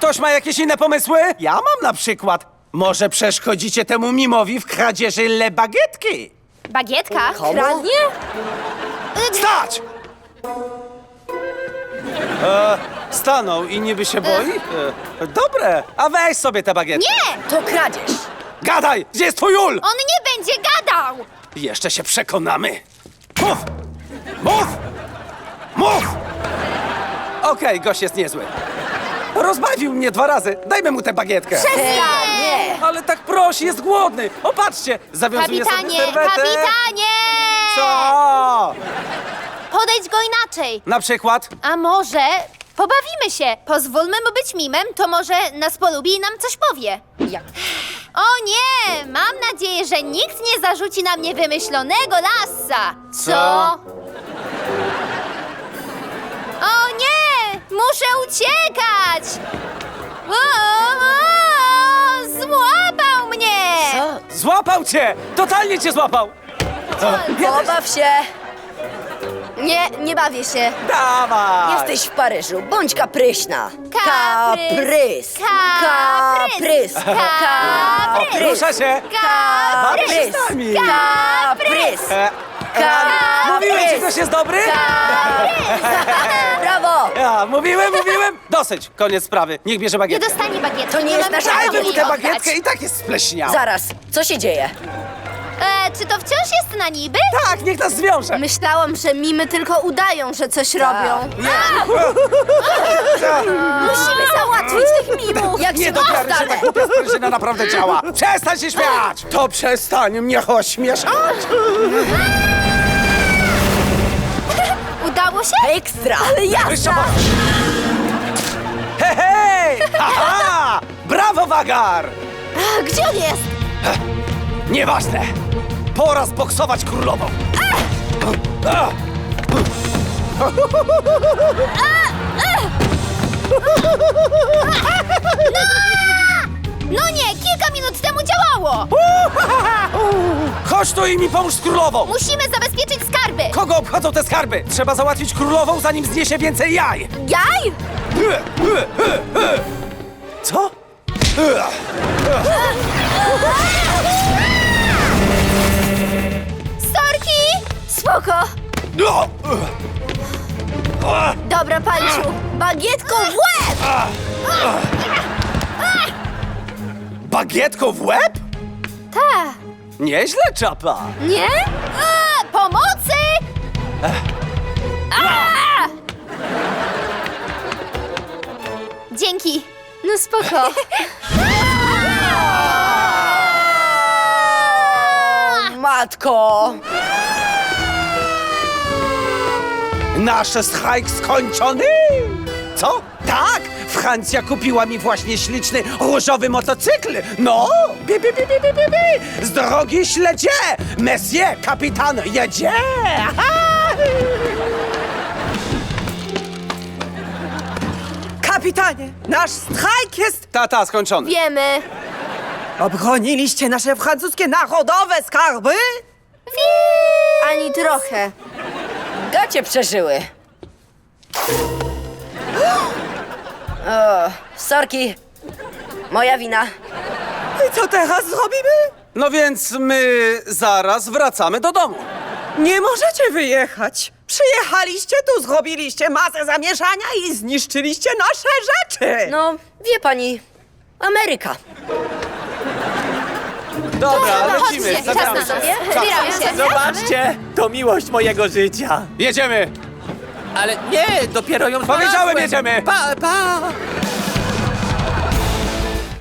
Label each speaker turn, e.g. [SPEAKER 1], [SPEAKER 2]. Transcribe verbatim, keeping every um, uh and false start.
[SPEAKER 1] Ktoś ma jakieś inne pomysły? Ja mam na przykład. Może przeszkodzicie temu mimowi w kradzieży le bagietki?
[SPEAKER 2] Bagietka?
[SPEAKER 3] Kradnie?
[SPEAKER 1] Stać! E, stanął i niby się boi? E, dobre, a weź sobie tę bagietkę.
[SPEAKER 2] Nie!
[SPEAKER 3] To kradzież.
[SPEAKER 1] Gadaj! Gdzie jest twój ul?
[SPEAKER 2] On nie będzie gadał!
[SPEAKER 1] Jeszcze się przekonamy. Mów! Mów! Mów! Okej, gość jest niezły. Rozbawił mnie dwa razy. Dajmy mu tę bagietkę.
[SPEAKER 2] Nie!
[SPEAKER 1] Ale tak prosi, jest głodny. Opatrzcie, zawiązuje
[SPEAKER 2] Kapitanie,
[SPEAKER 1] sobie serwetę.
[SPEAKER 2] kapitanie!
[SPEAKER 1] Co?
[SPEAKER 2] Podejdź go inaczej.
[SPEAKER 1] Na przykład?
[SPEAKER 2] A może pobawimy się? Pozwólmy mu być mimem, to może nas polubi i nam coś powie.
[SPEAKER 3] Jak?
[SPEAKER 2] O nie! Mam nadzieję, że nikt nie zarzuci na mnie wymyślonego lasa.
[SPEAKER 1] Co?
[SPEAKER 2] O nie! Muszę uciekać! O, o, złapał mnie!
[SPEAKER 3] Co?
[SPEAKER 1] Złapał cię! Totalnie cię złapał!
[SPEAKER 3] Pobaw się. Nie, nie bawię się.
[SPEAKER 1] Dawaj!
[SPEAKER 3] Jesteś w Paryżu, bądź kapryśna.
[SPEAKER 2] Kaprys.
[SPEAKER 3] Kaprys.
[SPEAKER 2] Kaprys.
[SPEAKER 3] Kaprys.
[SPEAKER 1] Rusza się! Bawię się
[SPEAKER 3] Kaprys.
[SPEAKER 1] z nami!
[SPEAKER 3] Kaprys.
[SPEAKER 1] E, e,
[SPEAKER 3] Kaprys.
[SPEAKER 1] Mówiłem ci, ktoś jest dobry?
[SPEAKER 3] Brawo.
[SPEAKER 1] Ja, mówiłem, mówiłem! Dosyć, koniec sprawy. Niech bierze
[SPEAKER 2] Nie
[SPEAKER 1] bagietkę.
[SPEAKER 2] dostanie bagietki.
[SPEAKER 3] To nie jest
[SPEAKER 2] mamy
[SPEAKER 3] nasza
[SPEAKER 2] prawa
[SPEAKER 1] Dajmy mu
[SPEAKER 2] jej
[SPEAKER 1] tę
[SPEAKER 2] oddać.
[SPEAKER 1] bagietkę i tak jest spleśniał.
[SPEAKER 3] Zaraz, co się dzieje?
[SPEAKER 2] E, czy to wciąż jest na niby?
[SPEAKER 1] Tak, niech nas zwiąże.
[SPEAKER 2] Myślałam, że mimy tylko udają, że coś robią. Musimy załatwić tych mimów.
[SPEAKER 3] Jak
[SPEAKER 1] Nie
[SPEAKER 3] się
[SPEAKER 1] do wiary, że
[SPEAKER 3] dostanę?
[SPEAKER 1] tak głupia sprężyna naprawdę działa. Przestań się śmiać! To przestań mnie ośmieszać!
[SPEAKER 2] Udało się?
[SPEAKER 3] Ekstra. Ale
[SPEAKER 1] Wyższa pomoc! Hej, hej! Aha! Brawo, Wagar!
[SPEAKER 2] A, gdzie on jest?
[SPEAKER 1] Nieważne! Pora zboksować królową! A!
[SPEAKER 2] No nie, kilka minut temu działało.
[SPEAKER 1] Chodź tu i mi pomóż z królową!
[SPEAKER 2] Musimy zabezpieczyć skarby.
[SPEAKER 1] Kogo obchodzą te skarby? Trzeba załatwić królową, zanim zniesie więcej jaj!
[SPEAKER 2] Jaj?
[SPEAKER 1] Co?
[SPEAKER 2] Sorki! Spoko.
[SPEAKER 1] No!
[SPEAKER 2] Dobra, Panciu. Bagietką w łeb!
[SPEAKER 1] Bagietką w łeb?
[SPEAKER 2] Ta.
[SPEAKER 1] Nieźle, czapa!
[SPEAKER 2] Nie? A, pomocy! A! Dzięki. No spoko.
[SPEAKER 3] Matko.
[SPEAKER 1] Nasz strajk skończony! Co? Tak! Francja kupiła mi właśnie śliczny różowy motocykl! No! Bi, bi, bi, bi, bi, bi, bi. Z drogi śledzie! Monsieur, kapitan, jedzie! Aha!
[SPEAKER 4] Kapitanie, nasz strajk jest...
[SPEAKER 1] Tata, skończony.
[SPEAKER 2] Wiemy.
[SPEAKER 4] Obroniliście nasze francuskie narodowe skarby?
[SPEAKER 2] Ani trochę.
[SPEAKER 3] Gacie przeżyły. O, sorki. Moja wina.
[SPEAKER 4] I co teraz zrobimy?
[SPEAKER 1] No więc my zaraz wracamy do domu.
[SPEAKER 4] Nie możecie wyjechać. Przyjechaliście tu, zrobiliście masę zamieszania i zniszczyliście nasze rzeczy.
[SPEAKER 3] No, wie pani, Ameryka.
[SPEAKER 1] Dobra,
[SPEAKER 2] no,
[SPEAKER 1] lecimy,
[SPEAKER 2] chodźcie,
[SPEAKER 1] zabieramy
[SPEAKER 2] czas na
[SPEAKER 1] się.
[SPEAKER 2] nas. Zbieramy się.
[SPEAKER 5] Zobaczcie, to miłość mojego życia.
[SPEAKER 1] Jedziemy!
[SPEAKER 5] Ale nie, dopiero ją
[SPEAKER 1] Powiedziałem,
[SPEAKER 5] znalazłem.
[SPEAKER 1] jedziemy.
[SPEAKER 5] Pa, pa.